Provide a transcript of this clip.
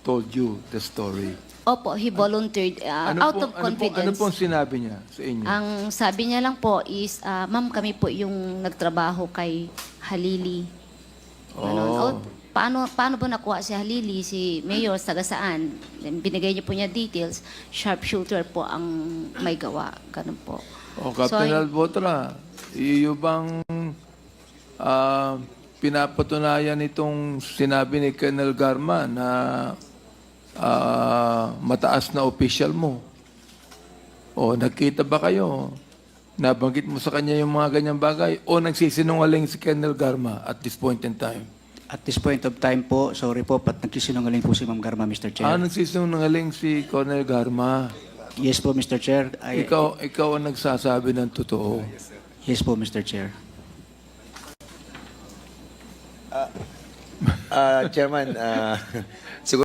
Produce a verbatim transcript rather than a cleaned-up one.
told you the story. Opo, he volunteered uh, Ano out po, of ano po, ano confidence. pong sinabi niya sa inyo? Ang sabi niya lang po is, ah, ma'am, kami po yung nagtrabaho kay Halili. Ganun. Oh. O, paano, paano ba nakuha si Halili, si Mayor, taga saan? Then binigay niyo po niya details. Sharpshooter po ang may gawa. Ganun po. O, Captain So, Albotra, iyo bang ah, pinapatunayan itong sinabi ni Colonel Garma na ah, mataas na official mo? O, nagkita ba kayo? Nabanggit mo sa kanya yung mga ganyang bagay? O nagsisinungaling si Colonel Garma at this point in time? At this point of time po, sorry po, pat nagsisinungaling po si Ma'am Garma, Mister Chair. Ah, nagsisinungaling si Colonel Garma. Yes po, Mister Chair. I- Ikaw, ikaw ang nagsasabi ng totoo. Yes po, Mister Chair. Ah, Chairman, ah, siguro